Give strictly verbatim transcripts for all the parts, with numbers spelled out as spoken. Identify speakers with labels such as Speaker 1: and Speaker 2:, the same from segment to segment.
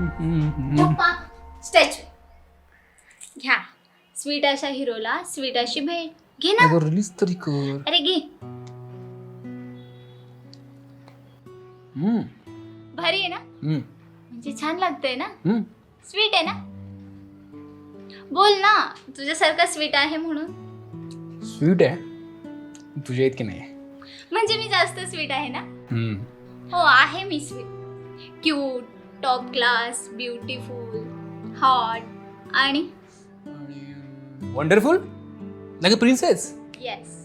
Speaker 1: Statue घ्या. Sweet अशा हिरोला sweet अशी भेट घे ना.
Speaker 2: रिलीज तरी कर.
Speaker 1: अरे घे.
Speaker 2: हम्म
Speaker 1: भारी आहे ना.
Speaker 2: हम्म
Speaker 1: म्हणजे छान लागतंय ना.
Speaker 2: हम्म
Speaker 1: स्वीट आहे ना. बोल ना तुझ्यासारखा स्वीट आहे म्हणून.
Speaker 2: स्वीट आहे तुझ्या इतकी नाही.
Speaker 1: म्हणजे मी जास्त स्वीट आहे ना.
Speaker 2: हम्म
Speaker 1: हो आहे मी sweet. Cute, top class, beautiful, hot आणि
Speaker 2: wonderful like a princess.
Speaker 1: Yes.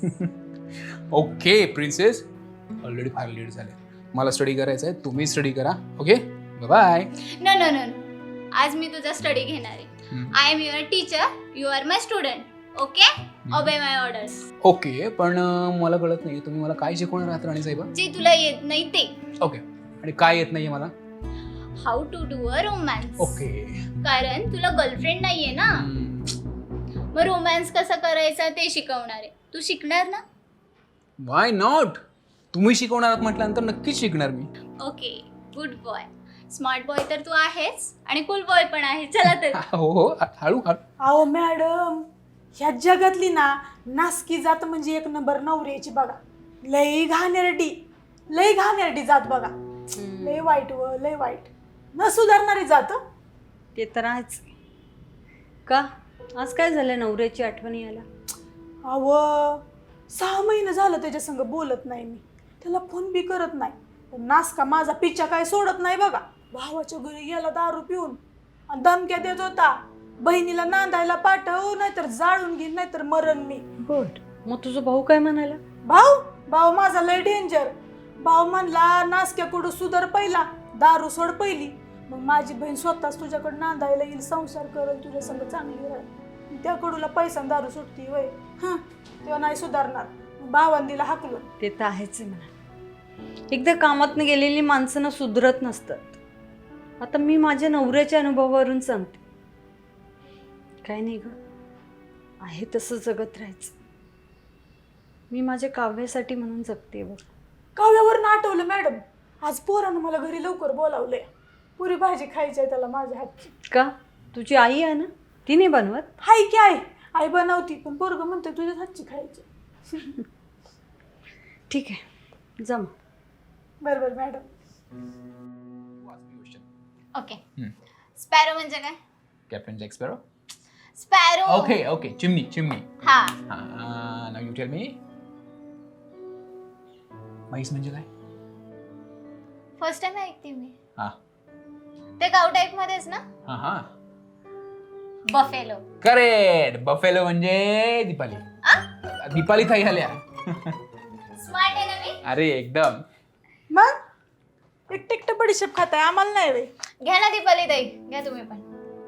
Speaker 2: Okay princess, already फार लेट झाले. मला स्टडी करायचं आहे, तुम्ही स्टडी करा. Okay bye.
Speaker 1: No no no no, आज मी तुझा स्टडी घेणार आहे. I am your teacher, you are my student. Okay, obey my orders.
Speaker 2: Okay पण अं, मला कळत नाही तुम्ही मला काय शिकवणार आहात राणी साहेबा.
Speaker 1: जे तुला येत नाही ते.
Speaker 2: ओके आणि काय येत नाहीये मला.
Speaker 1: How to do a romance.
Speaker 2: Okay
Speaker 1: कारण तुला गर्लफ्रेंड नाहीये ना. मग रोमॅन्स कसा करायचा ते शिकवणार आहे. तू शिकणार ना.
Speaker 2: Why not. तुम्ही शिकवणार आहात म्हटल्यानंतर नक्कीच शिकणार मी.
Speaker 1: Okay, good boy. Smart boy तर तू आहेस आणि कूल बॉय पण आहे. चला तर.
Speaker 2: हो हो हळू हळू.
Speaker 3: अहो मॅडम, ह्या जगातली ना नासकी जात म्हणजे एक नंबर नवऱ्याची बघा. लई घाणेरडी, लई घाणेरडी जात बघा. लई वाईट व लई वाईट, न सुधारणारी जात.
Speaker 4: ते तर आहेच. का आज काय झालं नवऱ्याची आठवण यायला.
Speaker 3: अव सहा महिने झालं त्याच्या संग बोलत नाही मी. त्याला फोन बी करत नाही. पण नासका माझा पिच्छा काय सोडत नाही बघा. भावाच्या घरी गेला दारू पिऊन आणि धमक्या देत होता. बहिणीला नांदायला पाठव, नाहीतर जाळून घेईन, नाहीतर मरण मी.
Speaker 4: गुड. मग तुझा भाऊ काय म्हणाला.
Speaker 3: भाऊ भाऊ माझा लय डेंजर. भाऊ म्हणला नासक्याकडं सुधार पहिला, दारू सोड पहिली, मग माझी बहीण स्वतःच तुझ्याकडे नांदायला येईल, संसार करेल, तुझ्या संग चांगली राहील. त्याकडूला पैसा दारू सुटती वय. हं तेव्हा नाही सुधारणार. भावान दिला हाकलून.
Speaker 4: ते तर आहेच म्हणा. एकदा कामातनं गेलेली माणसं ना सुधरत नसतात. आता मी माझ्या नवऱ्याच्या अनुभवावरून सांगते. काय नाही ग, आहे तसं जगत राहायचं. मी माझ्या काव्यासाठी म्हणून जगते बघ.
Speaker 3: काव्यावरून आठवलं मॅडम, आज पोरानं मला घरी लवकर बोलावलंय. पुरी भाजी खायची आहे त्याला माझ्या हातची.
Speaker 4: का तुझी आई आहे ना, ती नाही बनवत.
Speaker 3: हाय की आई आई बनवती, पण पोरग म्हणते तुझ्याच हातची खायची.
Speaker 4: ठीक आहे जम.
Speaker 3: बरं बरं मॅडम.
Speaker 1: ओके. स्पॅरो म्हणजे काय.
Speaker 2: Captain Jack sparrow.
Speaker 1: Sparrow.
Speaker 2: Okay okay चिमणी चिमणी.
Speaker 1: हा.
Speaker 2: नाव यू टेल मी. म्हैस म्हणजे काय.
Speaker 1: फर्स्ट टाइम ऐकते मी.
Speaker 2: हा
Speaker 1: ते गाव टाईप मध्येच ना.
Speaker 2: हा हा
Speaker 1: बफेलो.
Speaker 2: करेक्ट. बफेलो म्हणजे दीपाली. दीपाली थाई आल्या.
Speaker 1: स्मार्ट आहे ना मी.
Speaker 2: अरे एकदम.
Speaker 3: मग एक टिकट बडीशेप खाताय, आम्हाला नाही वे.
Speaker 1: घ्या ना दीपाली ताई, घ्या तुम्ही पण.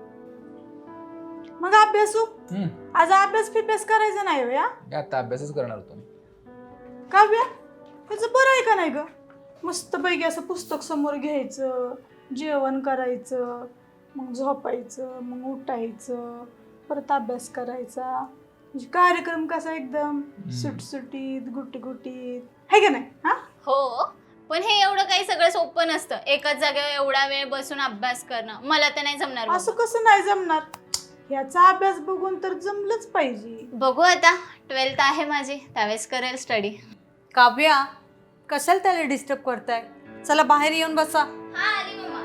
Speaker 3: मग अभ्यासू आज अभ्यास फिभ्यास करायचा नाही वे. हा
Speaker 2: आता अभ्यासच करणार होतो मी.
Speaker 3: काव्या त्याचं बरं आहे का नाही ग. मस्त पैकी असं पुस्तक समोर घ्यायचं, जेवण करायचं, मग झोपायचं, मग उठायचं, परत अभ्यास करायचा. म्हणजे कार्यक्रम कसा एकदम सुटसुटीत गुटी गुटीत आहे का नाही. हा
Speaker 1: हो, पण हे एवढं काही सगळं सोपं नसतं. एकाच जागेवर एवढा वेळ बसून अभ्यास करणं मला तर नाही जमणार.
Speaker 3: असं कसं नाही जमणार. याचा अभ्यास बघून तर जमलंच पाहिजे.
Speaker 1: बघू आता, ट्वेल्थ आहे माझी, त्यावेळेस करेल स्टडी.
Speaker 4: काव्या कशाला त्याला डिस्टर्ब करताय. चला बाहेर येऊन बसा.
Speaker 1: हा आली मम्मा.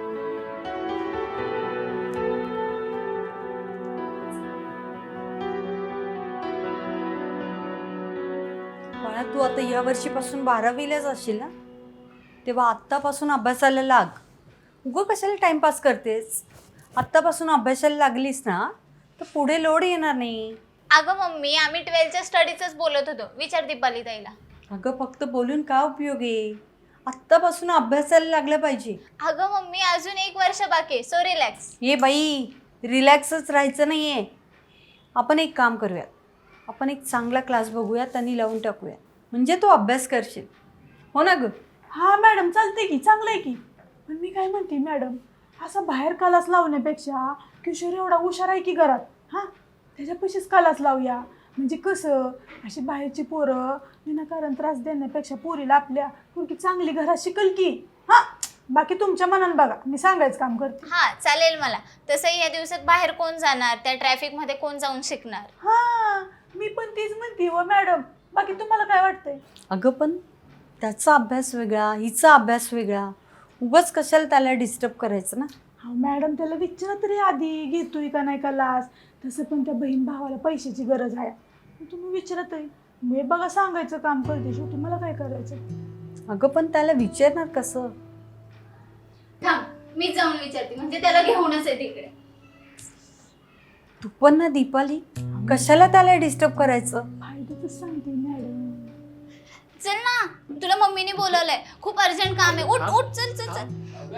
Speaker 4: बाळा तू आता या वर्षीपासून बारावीलाच असशील ना, तेव्हा आत्तापासून अभ्यासाला लाग. उगं कशाला टाइमपास करतेस. आत्तापासून अभ्यासाला लागलीस ना तर पुढे लोड येणार नाही.
Speaker 1: अगं मम्मी, आम्ही ट्वेल्थच्या स्टडीचंच बोलत होतो. विचार दीपाली ताईला.
Speaker 4: अगं फक्त बोलून काय उपयोग आहे. आत्तापासून अभ्यासाला लागलं पाहिजे.
Speaker 1: अगं मम्मी, अजून एक वर्ष बाकी आहे, सो रिलॅक्स.
Speaker 4: ये बाई, रिलॅक्सच राहायचं नाही आहे. आपण एक काम करूयात, आपण एक चांगला क्लास बघूयात आणि लावून टाकूयात, म्हणजे तू अभ्यास करशील. हो ना ग.
Speaker 3: हा मॅडम चालते की, चांगलं आहे की. पण मी काय म्हणते मॅडम, असा बाहेर कालास लावण्यापेक्षा किशोर एवढा हुशार आहे की घरात, हां त्याच्यापाशीच कालास लावूया. म्हणजे कसं अशी बाहेरची पोरं विनाकारण त्रास देण्यापेक्षा पोरीला आपल्या पोरगी चांगली घरात शिकल की. हां बाकी तुमच्या मनानं बघा, मी सांगायचं काम करते.
Speaker 1: हा चालेल मला. तसंही या दिवसात बाहेर कोण जाणार, त्या ट्रॅफिक मध्ये कोण जाऊन शिकणार.
Speaker 3: हा मी पण तीच म्हणते हो मॅडम. बाकी तुम्हाला काय वाटतंय?
Speaker 4: अगं पण त्याचा अभ्यास वेगळा, हिचा अभ्यास वेगळा, उगाच कशाला त्याला डिस्टर्ब करायचं ना.
Speaker 3: हा मॅडम त्याला विचारा तरी आधी घेतोय का नाही का क्लास. तसं पण त्या बहीण भावाला पैशाची गरज आहे. तुम्ही विचारा तरी. मी बघा सांगायचं काम करते, शेवटी मला काय करायचं.
Speaker 4: अगं पण त्याला विचारणार कसं?
Speaker 1: थांब मी जाऊन विचारते, म्हणजे त्याला घेऊनच आहे तिकडे.
Speaker 4: तू पण ना दीपाली, कशाला त्याला डिस्टर्ब करायचं?
Speaker 3: फायद्याच सांगते मॅडम.
Speaker 1: चल ना, तुला मम्मीने बोलवलंय, खूप अर्जंट काम आहे. उठ उठ चल चल चल.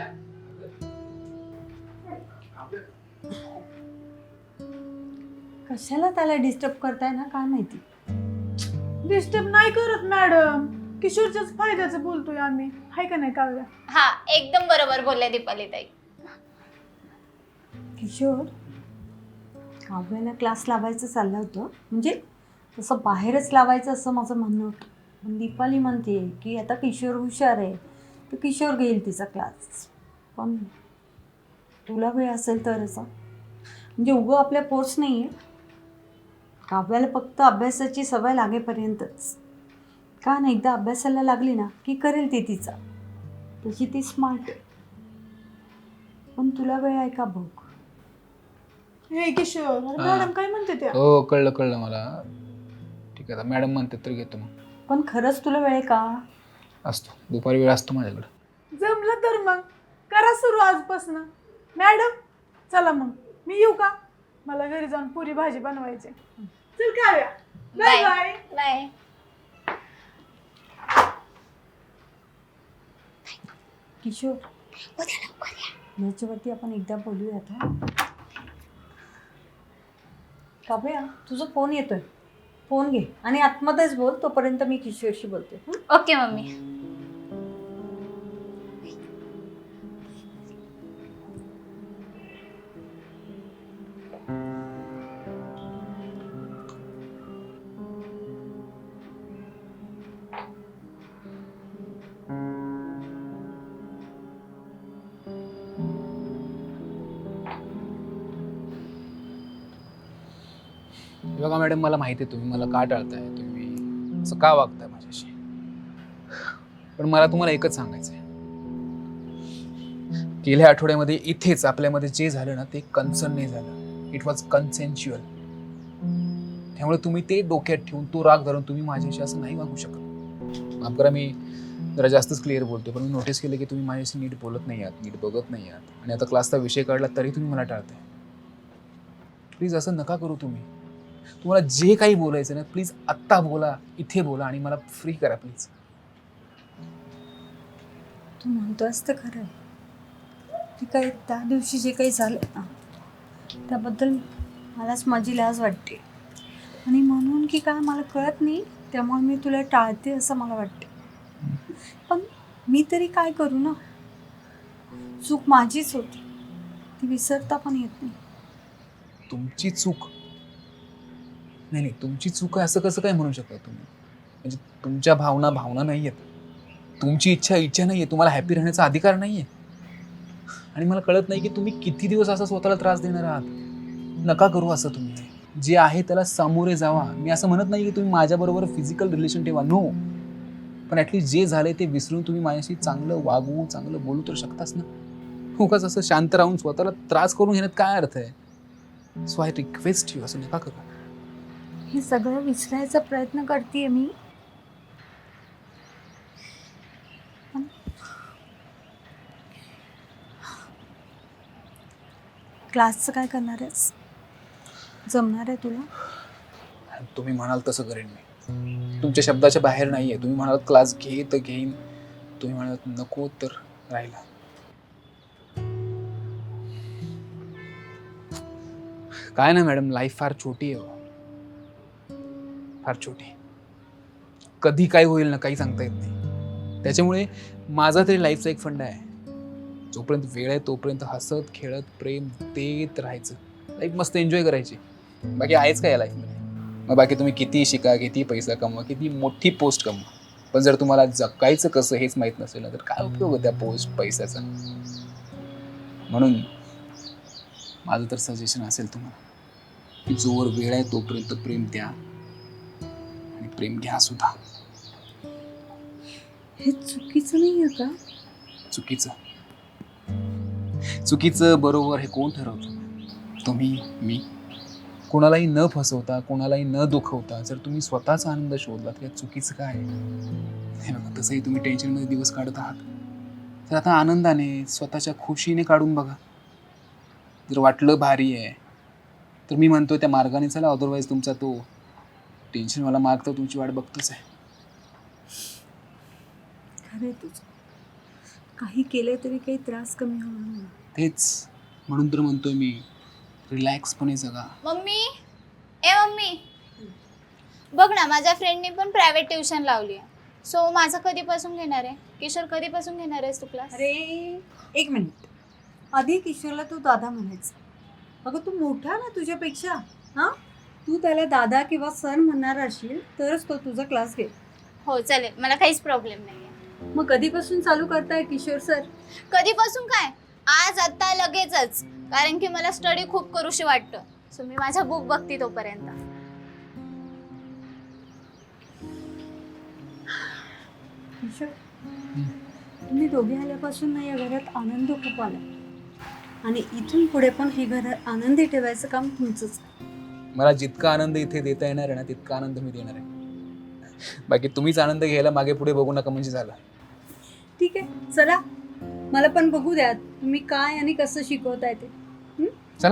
Speaker 4: कशाला त्याला डिस्टर्ब करताय ना काय माहिती.
Speaker 3: डिस्टर्ब नाही करत मॅडम, किशोरच्याच फायद्याचं बोलतोय आम्ही, हाय का नाही काव्या?
Speaker 1: हा एकदम बरोबर बोलल्या दीपाली ताई.
Speaker 4: किशोर, काव्याला क्लास लावायचं चाललं होतं, म्हणजे तसं बाहेरच लावायचं असं माझं म्हणणं होतं. पण दीपाली म्हणते की आता किशोर हुशार आहे तर किशोर घेईल तिचा क्लास. पण तुला वेळ असेल तरच, म्हणजे उगं आपल्या फोर्स नाही आहे. काव्याला फक्त अभ्यासाची सवय लागेपर्यंतच. का नाही, एकदा अभ्यासाला लागली ना की करेल ती तिचा. तशी ती स्मार्ट आहे. पण तुला वेळ आहे का बघ.
Speaker 3: हे किशोर, अरे
Speaker 2: हा.
Speaker 3: मॅडम काय म्हणते त्या?
Speaker 2: हो कळलं कळलं मला. ठीक आहे, आता मॅडम म्हणते तर घेतो मग.
Speaker 4: पण खरंच तुला वेळ आहे का?
Speaker 2: असतो, दुपारी वेळ असतो माझ्याकडे.
Speaker 3: जमलं तर मग करा सुरू आजपासून. मॅडम चला मग मी येऊ का? मला घरी जाऊन पुरी भाजी बनवायची. चल Kavya, bye bye.
Speaker 1: Bye.
Speaker 4: Kishore, याच्यावरती आपण एकदा बोलूयात. हा काव्या, तुझा फोन येतोय, फोन घे आणि आतमध्येच बोल. तोपर्यंत मी किशोरशी बोलते.
Speaker 1: Okay mummy.
Speaker 2: बघा मॅडम, मला माहिती आहे तुम्ही मला का टाळताय, तुम्ही असं का वागताय माझ्याशी. पण मला तुम्हाला एकच सांगायचं आहे. गेल्या आठवड्यामध्ये इथेच आपल्यामध्ये जे झालं ना ते कन्सर्न नाही झालं. It was consensual. त्यामुळे तुम्ही ते डोक्यात ठेवून तो राग धरून तुम्ही माझ्याशी असं नाही वागू शकत. माफ करा, मी जरा जास्तच क्लिअर बोलतो, पण मी नोटीस केलं की तुम्ही माझ्याशी नीट बोलत नाही आहात, नीट बघत नाही आहात. आणि आता क्लासचा विषय काढला तरी तुम्ही मला टाळताय. प्लीज असं नका करू. तुम्ही तुम्हाला जे काही बोलायचं ना प्लीज आत्ता बोला, इथे बोला आणि मला फ्री करा प्लीज.
Speaker 4: तू म्हणतोस तर खरं आहे. ते काही त्या दिवशी जे काही झालं ना त्याबद्दल मलाच माझी लाज वाटते. आणि म्हणून की काय मला कळत नाही, त्यामुळे मी तुला टाळते असं मला वाटते. पण मी तरी काय करू ना, चूक माझीच होती, ती विसरता पण येत नाही.
Speaker 2: तुमची चूक नाही नाही तुमची चूक आहे असं कसं काय म्हणू शकता तुम्ही? म्हणजे तुमच्या भावना भावना नाही आहेत, तुमची इच्छा इच्छा नाही आहे, तुम्हाला हॅपी राहण्याचा अधिकार नाही आहे. आणि मला कळत नाही की तुम्ही किती दिवस असा स्वतःला त्रास देणार आहात. नका करू असं. तुम्ही जे आहे त्याला सामोरे जावा. मी असं म्हणत नाही की तुम्ही माझ्याबरोबर फिजिकल रिलेशन ठेवा, नो. पण ॲटलीस्ट जे झालंय ते विसरून तुम्ही माझ्याशी चांगलं वागू, चांगलं बोलू तर शकताच ना. उगाच असं शांत राहून स्वतःला त्रास करून घेण्यात काय अर्थ आहे? सो आय रिक्वेस्ट यू, असं नका करू.
Speaker 4: हे सगळं विसरायचा प्रयत्न करते मी. क्लासचं काय करणार आहेस? जमणार आहे तुला?
Speaker 2: तुम्ही म्हणाल तसं करेन मी. तुमच्या शब्दाच्या बाहेर नाही आहे. तुम्ही म्हणालात क्लास घे तर घेईन, तुम्ही म्हणालात नको तर राहिला. काय ना मॅडम, लाईफ फार छोटी आहे, फार छोटी. कधी काय होईल ना काही सांगता येत नाही. त्याच्यामुळे माझा तरी लाईफचा एक फंडा आहे, जोपर्यंत वेळ आहे तोपर्यंत हसत खेळत प्रेम देत राहायचं. लाईफ मस्त एन्जॉय करायची. बाकी आहेच काय या लाईफमध्ये. मग बाकी तुम्ही किती शिका, किती पैसा कमवा, किती मोठी पोस्ट कमवा, पण जर तुम्हाला जगायचं कसं हेच माहीत नसेल ना तर काय उपयोग आहे त्या पोस्ट पैशाचा. म्हणून माझं तर सजेशन असेल तुम्हाला की जोवर वेळ आहे तोपर्यंत प्रेम द्या आणि प्रेम घ्या सुद्धा.
Speaker 4: हे चुकीचं नाही आहे का?
Speaker 2: चुकीचं चुकीचं बरोबर हे कोण ठरवतं? तुम्ही, मी. कोणालाही न फसवता कोणालाही न दुखवता जर तुम्ही स्वतःचा आनंद शोधला तर चुकीचं काय? हे बघा, तसंही तुम्ही टेन्शनमध्ये दिवस काढत आहात तर आता आनंदाने स्वतःच्या खुशीने काढून बघा. जर वाटलं भारी आहे तर मी म्हणतोय त्या मार्गाने चला, अदरवाईज तुमचा तो टेन्शनवाला मार्ग तर तुमची वाट बघतोच आहे.
Speaker 4: खरंय तुझं. काही केले तरी काही त्रास कमी होणार नाही.
Speaker 2: तेच म्हणून तर म्हणतोय मी, रिलॅक्सपणे जगा.
Speaker 1: मम्मी, ए मम्मी, बघ ना माझ्या फ्रेंडने पण प्रायव्हेट ट्युशन लावली आहे. सो माझं कधीपासून घेणार आहे? किशोर कधीपासून घेणार आहेस तू क्लास?
Speaker 4: अरे एक मिनिट, आधी किशोरला तू दादा म्हणायचं. अगं तू मोठा ना तुझ्यापेक्षा. हां, तू त्याला दादा किंवा सर म्हणणार असशील तरच तो तुझा क्लास घेईल.
Speaker 1: हो चालेल, मला काहीच प्रॉब्लेम नाही आहे.
Speaker 4: मग कधीपासून चालू करताय किशोर सर?
Speaker 1: कधीपासून काय, आज आत्ता लगेचच. कारण की मला स्टडी खूप करूशी वाटतं. सो मी माझा बुक बघते तोपर्यंत.
Speaker 4: किशोर, तुम्ही दोघे आल्यापासून ना या घरात आनंद खूप आला आणि इथून पुढे पण हे घर आनंदी ठेवायचं काम तुमचंच.
Speaker 2: मला जितका आनंद इथे देता येणार आहे ना तितका आनंद मी देणार आहे. बाकी तुम्हीच आनंद घ्यायला मागे पुढे बघू नका म्हणजे झालं.
Speaker 4: ठीक आहे, चला मला पण बघू द्या तुम्ही काय आणि कसं शिकवताय ते. हं?
Speaker 2: चला.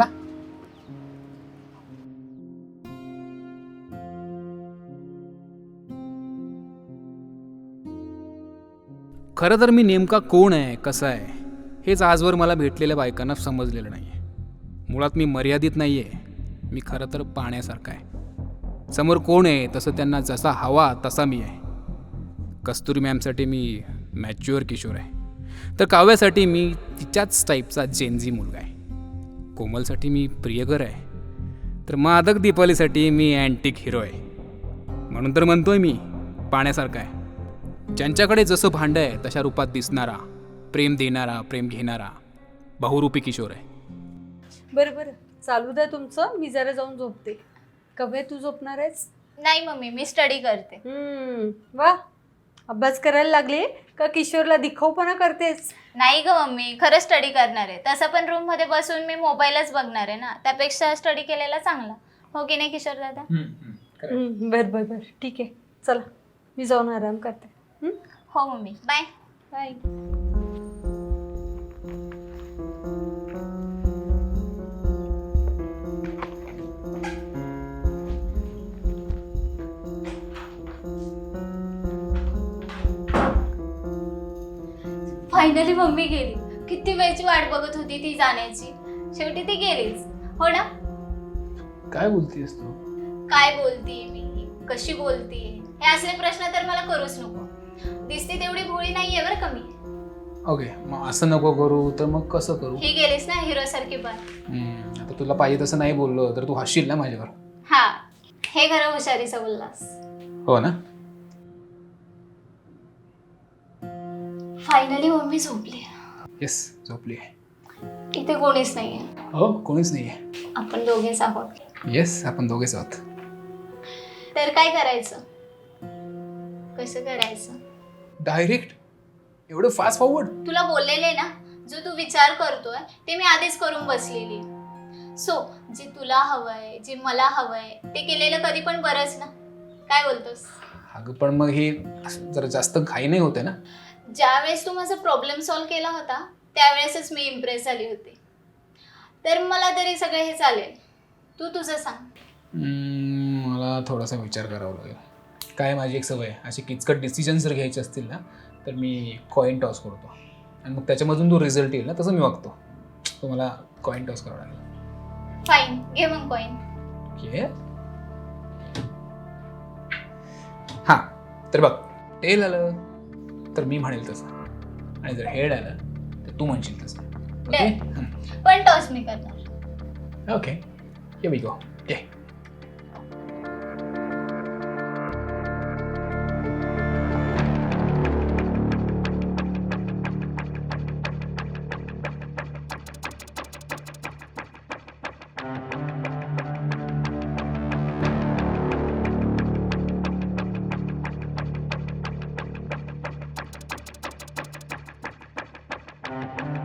Speaker 2: खरं तर मी नेमका कोण आहे, कसा आहे हेच आजवर मला भेटलेल्या बायकांना समजलेलं नाही आहे. मुळात मी मर्यादित नाही आहे, मी खरं तर पाण्यासारखा आहे. समोर कोण आहे तसं त्यांना जसा हवा तसा मी आहे. कस्तुरी मॅमसाठी मी मॅच्युअर किशोर आहे, तर काव्यासाठी मी तिच्याच टाईपचा जेनझी मुलगा आहे. कोमलसाठी मी प्रियकर आहे, तर मादक दीपालीसाठी मी अँटिक हिरो आहे. म्हणून तर म्हणतोय मी पाण्यासारखा आहे. ज्यांच्याकडे जसं भांडं आहे तशा रूपात दिसणारा, प्रेम देणारा, प्रेम घेणारा बहुरूपी किशोर आहे.
Speaker 4: बरं बरं, चालू द्या तुमचं, मी जरा जाऊन झोपते. कवे तू झोपणार आहेस?
Speaker 1: नाही मम्मी, मी स्टडी करते.
Speaker 4: हम्म, वा, अभ्यास करायला लागले का किशोरला दिखाऊपणा करतेस?
Speaker 1: नाही ग मम्मी, खरं स्टडी करणार आहे. तसं पण रूम मध्ये बसून मी मोबाईलच बघणार आहे ना, त्यापेक्षा स्टडी केलेला चांगला. हो की नाही किशोर दादा?
Speaker 4: हम्म, बरं बरं बरं, ठीक आहे, चला मी जाऊन आराम करते. हम्म,
Speaker 1: हो mummy, bye
Speaker 4: bye.
Speaker 1: Finally mummy गेली. किती वेळची वाट बघत होती ती जाण्याची. शेवटी ती गेलीच, हो ना?
Speaker 2: काय बोलतेस तू?
Speaker 1: काय बोलतीये मी, कशी बोलतीये, हे असले प्रश्न तर मला करूच नको. दिसते तेवढी भोळी नाहीये बरं का मी.
Speaker 2: ओके, मग असं नको करू तर मग कसं करू?
Speaker 1: ही गेलीस ना हिरो सारखी पण.
Speaker 2: हम्म, आता तुला पाहिजे तसं नाही बोललो तर तू हसशील ना माझ्यावर.
Speaker 1: हा, हे खरं हुशारीचं बोललास.
Speaker 2: हो ना?
Speaker 1: फायनली मम्मी झोपली.
Speaker 2: येस, झोपली आहे.
Speaker 1: इथे कोणीच नाहीये.
Speaker 2: हो, कोणीच नाही आहे.
Speaker 1: आपण दोघेच आहोत.
Speaker 2: येस, आपण दोघेच आहोत.
Speaker 1: तर काय करायचं, कसं करायचं?
Speaker 2: डायरेक्ट एवढं फास्ट फॉरवर्ड?
Speaker 1: तुला बोललेले ना, जो तू विचार करतोय ते मी आधीच करून बसलेली. सो जे तुला हवंय, जे मला हवंय ते केलेलं कधी पण बरंच ना. काय बोलतोस?
Speaker 2: अगं पण मग हे असं जरा जास्त घाई नाही होते ना?
Speaker 1: ज्यावेळेस तू माझा प्रॉब्लेम सॉल्व्ह केला होता त्यावेळेसच मी इम्प्रेस झाली होती. तर मला तरी सगळं हे चालेल. तू तुझं सांग.
Speaker 2: हम्म, मला थोडासा विचार करावा लागेल. काय माझी एक सवय आहे, असे किचकट डिसिजन जर घ्यायचे असतील ना तर मी कॉईन टॉस करतो आणि मग त्याच्यामधून जो रिझल्ट येईल ना तसं मी वागतो. तो मला कॉईन टॉस करावा लागेल.
Speaker 1: फाईन, घे मग कॉईन.
Speaker 2: घे. हां, तर बघ, टेल आलं तर मी म्हणेल तसं आणि जर हेड आलं तर तू म्हणशील तसं. ओके,
Speaker 1: पण टॉस मी करणार.
Speaker 2: Okay, here we go. घे. आहे